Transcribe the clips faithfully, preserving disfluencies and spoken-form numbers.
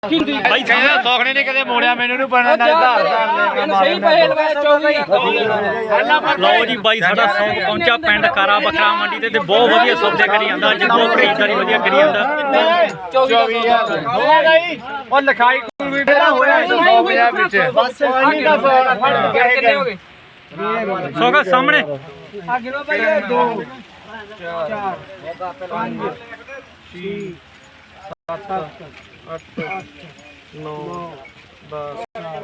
ਭਾਈ ਕਹਿੰਦਾ ਸੋਖਣੇ ਨੇ ਕਦੇ ਮੋੜਿਆ ਮੈਨੂੰ ਨਹੀਂ ਪੜਨਾ ਨਾ ਆਧਾਰ ਕਾਰਡ ਸਹੀ ਪੈਸੇ ਲਵਾਏ ਚੌਵੀ ਲਓ ਜੀ ਬਾਈ ਸਾਡਾ ਸੌਂਗ ਪਹੁੰਚਾ ਪਿੰਡ ਕਾਰਾ ਬੱਕਰਾ ਮੰਡੀ ਤੇ ਤੇ ਬਹੁਤ ਵਧੀਆ ਸੌਦੇ ਕਰੀ ਜਾਂਦਾ ਅੱਜ ਬਹੁਤ ਖਰੀਦਦਾਰੀ ਵਧੀਆ ਕਰੀ ਜਾਂਦਾ ਚੌਵੀ ਹਜ਼ਾਰ ਹੋਇਆ ਜੀ ਉਹ ਲਿਖਾਈ ਕੋਈ ਵੀ ਫੇਰਾ ਹੋਇਆ ਸੌ ਪੰਜਾਹ ਵਿੱਚ ਬਸ ਆਹੀ ਦਾ ਫੜ ਕਿੰਨੇ ਹੋ ਗਏ ਸੋਗਾ ਸਾਹਮਣੇ ਆ ਗਿਣੋ ਭਾਈ ਦੋ ਚਾਰ ਪੰਜ ਛੇ ਸੱਤ ਅੱਠ ਨੌ ਦਸ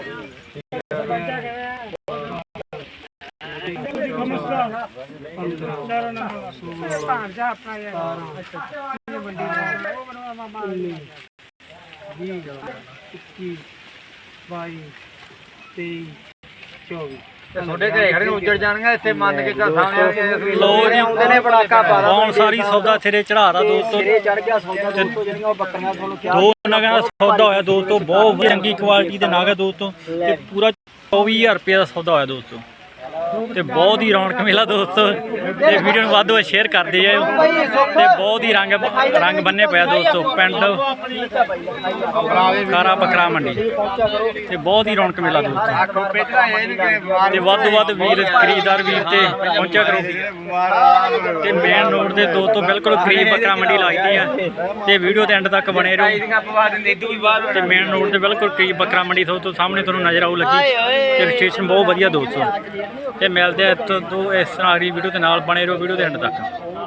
ਬਾਈ ਤੇਈ ਚੌਵੀ ਤੁਹਾਡੇ ਘਰੇ ਖੜੇ ਉੱਜੜ ਜਾਣਗੇ ਇੱਥੇ ਮੰਨ ਕੇ ਤਾਂ ਸਾਹਮਣੇ ਲਓ ਜੀ ਆਉਂਦੇ ਨੇ ਪੜਾਕਾ ਪਾ ਬਹੁਤ ਸਾਰੀ ਸੌਦਾ ਸਿਰੇ ਚੜਾਦਾ ਦੋਸਤੋ ਸਿਰੇ ਚੜ ਗਿਆ ਸੌਦਾ ਦੋਸਤੋ ਜਿਹੜੀਆਂ ਉਹ ਬੱਕਰੀਆਂ ਤੁਹਾਨੂੰ ਕਿਹਾ ਦੋ ਨਗਾਂ ਦਾ ਸੌਦਾ ਹੋਇਆ ਦੋਸਤੋ ਬਹੁਤ ਚੰਗੀ ਕੁਆਲਿਟੀ ਦੇ ਨਗ ਹੈ ਦੋਸਤੋ ਤੇ ਪੂਰਾ ਚੌਵੀ ਹਜ਼ਾਰ ਰੁਪਏ ਦਾ ਸੌਦਾ ਹੋਇਆ ਦੋਸਤੋ ਤੇ ਬਹੁਤ ਹੀ ਰੌਣਕ ਮੇਲਾ ਦੋਸਤੋ ਤੇ ਵੀਡੀਓ ਨੂੰ ਵੱਧ ਤੋਂ ਵੱਧ ਸ਼ੇਅਰ ਕਰਦੇ ਜਾਓ ਤੇ ਬਹੁਤ ਹੀ ਰੰਗ ਰੰਗ ਬੰਨੇ ਪਿਆ ਦੋਸਤੋ ਪਿੰਡ ਕਾਰਾ ਬੱਕਰਾ ਮੰਡੀ ਤੇ ਬਹੁਤ ਹੀ ਰੌਣਕ ਮੇਲਾ ਦੋਸਤੋ ਤੇ ਵੱਧ ਤੋਂ ਵੱਧ ਵੀਰ ਖਰੀਦਦਾਰ ਵੀਰ ਤੇ ਪਹੁੰਚਿਆ ਕਰੋ ਤੇ ਮੇਨ ਰੋਡ ਦੇ ਦੋਸਤੋ ਬਿਲਕੁਲ ਕਰੀਬ ਬੱਕਰਾ ਮੰਡੀ ਲੱਗਦੀ ਆ ਤੇ ਵੀਡੀਓ ਦੇ ਐਂਡ ਤੱਕ ਬਣੇ ਰਹੋ ਤੇ ਮੇਨ ਰੋਡ ਦੇ ਬਿਲਕੁਲ ਕਰੀਬ ਬੱਕਰਾ ਮੰਡੀ ਦੋਸਤੋ ਸਾਹਮਣੇ ਤੁਹਾਨੂੰ ਨਜ਼ਰ ਆਉ ਲੱਗੀ ਤੇ ਰਜਿਸਟ੍ਰੇਸ਼ਨ ਬਹੁਤ ਵਧੀਆ ਦੋਸਤੋ ਤੇ ਮਿਲਦੇ ਆ ਤੋਂ ਇਸ ਤਰ੍ਹਾਂ ਅਗਲੀ ਵੀਡੀਓ ਦੇ ਨਾਲ ਬਣੇ ਰਹੋ ਵੀਡੀਓ ਦੇ ਐਂਡ ਤੱਕ।